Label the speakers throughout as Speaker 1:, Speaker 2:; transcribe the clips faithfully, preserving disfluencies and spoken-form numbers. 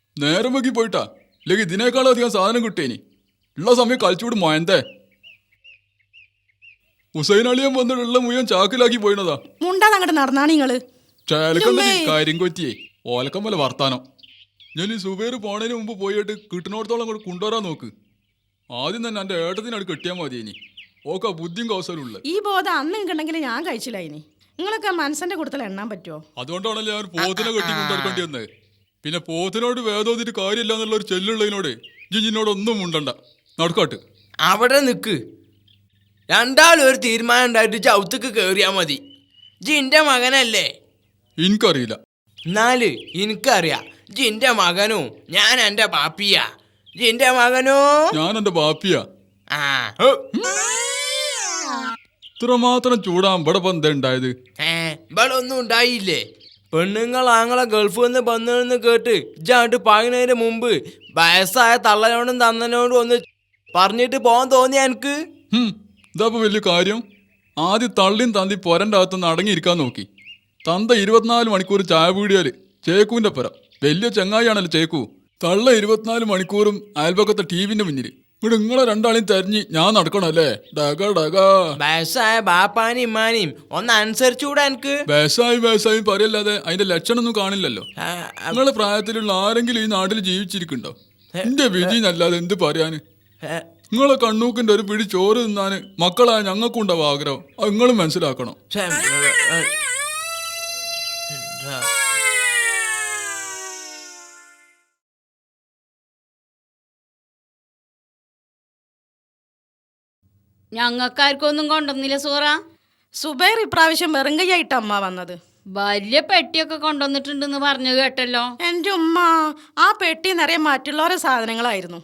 Speaker 1: നേരം വൈകി പോയിട്ടാ, ഇല്ലെങ്കിൽ ഇതിനേക്കാളും അധികം സാധനം കിട്ടേനി. ഉള്ള സമയം കളിച്ചുകൂടി മോയന്തേ. ഹുസൈൻ അളിയൻ വന്നിട്ടുള്ള മുഴുവൻ ചാക്കിലാക്കി പോയിണതാ.
Speaker 2: മുണ്ടാതെ അങ്ങോട്ട് നടന്നാണ് നിങ്ങള്.
Speaker 1: ചേലക്കണ്ട കാര്യം കൊറ്റിയേ ഓലക്കം പോലെ വർത്താനം. ഞാൻ ഈ സുബേർ പോണതിന് മുമ്പ് പോയിട്ട് കിട്ടുന്നിടത്തോളം കൂടെ കൊണ്ടുവരാൻ നോക്ക്. ആദ്യം തന്നെ എൻ്റെ ഏട്ടത്തിനട് കെട്ടിയാൽ മതി. ഇനി ഓക്കെ ബുദ്ധിയും കൗശലുള്ള
Speaker 2: ഈ ബോധം അന്ന് നിങ്ങണ്ടെങ്കിൽ ഞാൻ കഴിച്ചില്ല. ഇനി നിങ്ങളൊക്കെ മനസ്സിന്റെ കൂട്ടത്തിൽ എണ്ണാൻ പറ്റുമോ?
Speaker 1: അതുകൊണ്ടാണല്ലോ ഞാൻ പോത്തിനെ കെട്ടി കൊണ്ടെടുക്കേണ്ടി വന്നത്. പിന്നെ പോത്തിനോട് വേദോതിട്ട് കാര്യമില്ല എന്നുള്ള ഒരു ചെല്ലുള്ളതിനോട് ജിജിനോട് ഒന്നും ഉണ്ടണ്ട. നടക്കാട്ട്
Speaker 3: അവിടെ നിക്ക്. രണ്ടാളും ഒരു തീരുമാനം ഉണ്ടായിട്ട് ചവിത്തക്ക് കേറിയാ മതി. ജിന്റെ മകനല്ലേ?
Speaker 1: എനിക്കറിയില്ല.
Speaker 3: എന്നാല് എനിക്കറിയാം. ജിന്റെ മകനോ ഞാൻ എന്റെ പാപ്പിയാ. ജിന്റെ മകനോ
Speaker 1: ഞാൻ എന്റെ ബാപ്പിയാ.
Speaker 3: ആ
Speaker 1: ഇത്രമാത്രം ചൂടാൻ ഇവിടെ ഇപ്പൊ എന്താ ഉണ്ടായത്?
Speaker 3: ഏ ഇവിടെ ഒന്നും ഉണ്ടായില്ലേ? പെണ്ണുങ്ങൾ ആങ്ങളെ ഗൾഫിൽ നിന്ന് വന്നെന്ന് കേട്ട് ഇജാണ്ട് പാകുന്നതിന് മുമ്പ് വയസ്സായ തള്ളനോടും തന്നനോടും ഒന്ന് പറഞ്ഞിട്ട് പോകാൻ തോന്നിയ എനിക്ക്.
Speaker 1: ഇതാപ്പോ വലിയ കാര്യം. ആദ്യം തള്ളിയും തന്തി പൊരൻ്റെ അകത്തുനിന്ന് അടങ്ങിയിരിക്കാൻ നോക്കി. തന്ത ഇരുപത്തിനാല് മണിക്കൂർ ചായ പീടിയാല് ചേക്കുവിന്റെ പുര. വലിയ ചങ്ങായിയാണല്ലോ ചേക്കു. തള്ള ഇരുപത്തിനാല് മണിക്കൂറും അയൽപക്കത്തെ ടി വിന്റെ മുന്നിൽ. ഇവിടെ നിങ്ങളെ രണ്ടാളെയും തെരഞ്ഞ് ഞാൻ നടക്കണല്ലേ? ഡക ഡക
Speaker 3: വയസ്സായ ബാപ്പാനും ഇമ്മാനെയും ഒന്ന് അനുസരിച്ചുകൂടെ എനിക്ക്?
Speaker 1: വേസായി വേസായി പറയല്ലാതെ അതിന്റെ ലക്ഷണമൊന്നും കാണില്ലല്ലോ. നിങ്ങളെ പ്രായത്തിലുള്ള ആരെങ്കിലും ഈ നാട്ടിൽ ജീവിച്ചിരിക്കുന്നുണ്ടോ? എന്റെ വിധി എന്നല്ലാതെ എന്ത് പറയാന്? നിങ്ങളെ കണ്ണൂക്കിന്റെ ഒരു പിടി ചോറ് തിന്നാന് മക്കളായ ഞങ്ങൾക്കുണ്ടാവും ആഗ്രഹം. അത് നിങ്ങളും മനസ്സിലാക്കണം.
Speaker 4: ഞങ്ങൾക്കാർക്കൊന്നും കൊണ്ടുവന്നില്ല സൂറ.
Speaker 2: സുബൈർ ഇപ്രാവശ്യം വെറുങ്കയായിട്ട് അമ്മ വന്നത്.
Speaker 4: വലിയ പെട്ടിയൊക്കെ കൊണ്ടുവന്നിട്ടുണ്ടെന്ന് പറഞ്ഞു കേട്ടല്ലോ.
Speaker 2: എൻ്റെ ഉമ്മ ആ പെട്ടി നിറയെ മറ്റുള്ളവരെ സാധനങ്ങളായിരുന്നു.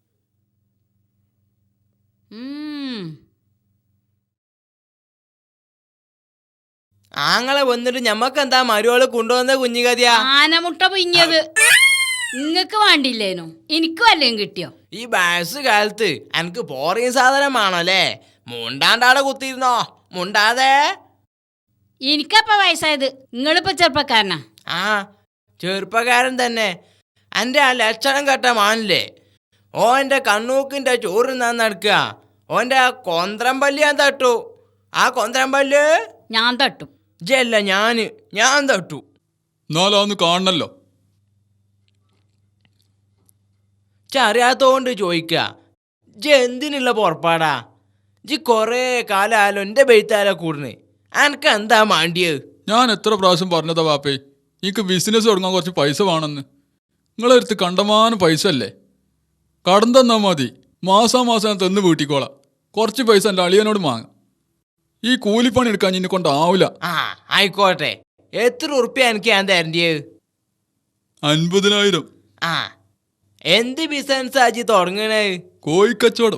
Speaker 3: ആങ്ങളെ വന്നിട്ട് ഞമ്മക്ക് എന്താ മരുവള് കൊണ്ടുവന്ന കുഞ്ഞിക്കതിയാ?
Speaker 4: ആനമുട്ട പിഞ്ഞത് നിങ്ങക്ക് വേണ്ടില്ലേനു, എനിക്ക് വല്ലതും കിട്ടിയോ?
Speaker 3: ഈ വയസ്സ് കാലത്ത് എനിക്ക് പോറിയ സാധനമാണല്ലേ? മുണ്ടാണ്ടാടെ കുത്തിയിരുന്നോ? മുണ്ടാതെ.
Speaker 4: എനിക്കപ്പ വയസ്സായത്, നിങ്ങളിപ്പോ ചെറുപ്പക്കാരനാ.
Speaker 3: ആ ചെറുപ്പക്കാരൻ തന്നെ. എൻ്റെ ആ ലക്ഷണം കെട്ട മാനില്ലേ, ഓൻ്റെ കണ്ണൂക്കിൻ്റെ ചോറ് ഞാൻ നടക്കുക. ഓൻ്റെ ആ കൊന്ത്രമ്പല്ലി ഞാൻ തട്ടു. ആ കൊന്ത്രമ്പല്ല്
Speaker 4: ഞാൻ തട്ടും.
Speaker 3: ജല്ല ഞാന് ഞാൻ തട്ടു.
Speaker 1: എന്നാലൊന്ന് കാണണല്ലോ.
Speaker 3: അറിയാത്തോണ്ട് ചോദിക്ക. ജി എന്തിനുള്ള പുറപ്പാടാ? ജി കൊറേ കാലാലോ എൻ്റെ ബെയ്ത്താലോ കൂടുന്നു. എനക്ക് എന്താ മാണ്ടിയത്?
Speaker 1: ഞാൻ എത്ര പ്രാവശ്യം പറഞ്ഞതാ വാപ്പേ, എനിക്ക് ബിസിനസ് തുടങ്ങാൻ കുറച്ച് പൈസ വേണമെന്ന്. നിങ്ങളെടുത്ത് കണ്ടമാനം പൈസ അല്ലേ? കടം തന്നാൽ മതി, മാസാ മാസം ഞാൻ തന്ന് വീട്ടിക്കോളാം. കുറച്ച് പൈസ എൻ്റെ അളിയനോട് വാങ്ങാം. ഈ കൂലിപ്പണി എടുക്കാൻ ഇന്നെ കൊണ്ടാവില്ല.
Speaker 3: ആ ആയിക്കോട്ടെ. എത്ര ഉറുപ്പ്യ എനിക്ക് ഞാൻ തരേണ്ടിയത്?
Speaker 1: അൻപതിനായിരം.
Speaker 3: ആ എന്ത് ബിസിനസ് ആജി തുടങ്ങണേ?
Speaker 1: കോഴിക്കച്ചവടം.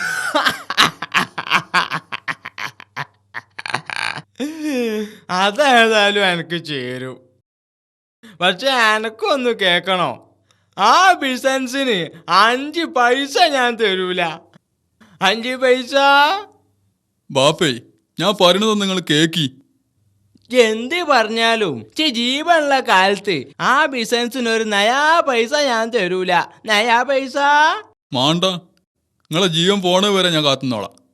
Speaker 3: അതേതായാലും എനിക്ക് ചേരും. പക്ഷെ എനക്കൊന്ന് കേക്കണോ, ആ ബിസിനസിന് അഞ്ച് പൈസ ഞാൻ തരൂല. അഞ്ച് പൈസ
Speaker 1: ബാപ്പേ, ഞാൻ പറയണത് നിങ്ങൾ കേക്കി.
Speaker 3: എന്ത് പറഞ്ഞാലും ജീവനുള്ള കാലത്ത് ആ ബിസിനസിന് ഒരു നയാ പൈസ ഞാൻ തരൂല. നയാ പൈസ
Speaker 1: മാണ്ട, നിങ്ങളെ ജീവൻ പോണ വരെ ഞാൻ കാത്തുന്നോളാം.